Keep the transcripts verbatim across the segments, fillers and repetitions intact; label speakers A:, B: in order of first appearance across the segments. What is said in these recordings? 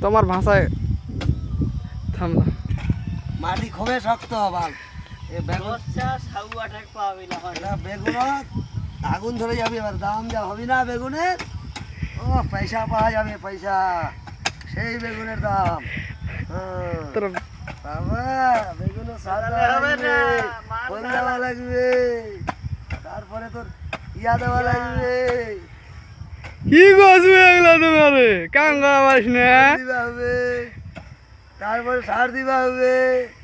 A: তোমার ভাষায় থাম না
B: মাটি খুবই শক্ত বাল এ বেগুন বেগুন আগুন ধরে যাবে এবার দাম যা হবে না বেগুনের ও পয়সা পাওয়া যাবে পয়সা সেই বেগুনের দাম
A: তোর
B: বাবা বেগুন সার দেওয়া ফল দেওয়া লাগবে তারপরে তোর ইয়া দেওয়া লাগবে
A: কি গছবে এগুলা তোমার কাঙ্গা মারিস না
B: দিবা হবে তারপরে সার দিবা হবে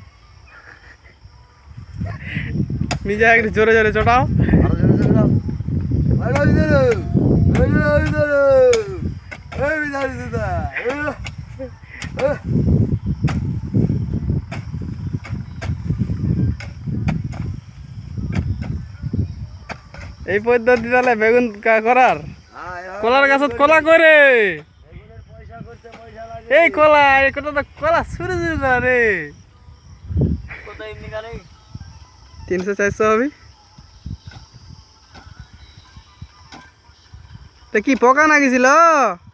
A: নিজে একটু জোরে জোরে চটাও
B: আরো জোরে জোরে দাও ভাই ভাই ধরো ভাই ভাই ধরো এই বিদারি দাদা
A: এই পদ্ধতি তাহলে বেগুন করার কলার গাছত কলা করে এই কলা এই কটা তো কলা শুরু শুরু করে তিনশো চারশো হবে তা কি পোকা না গেছিল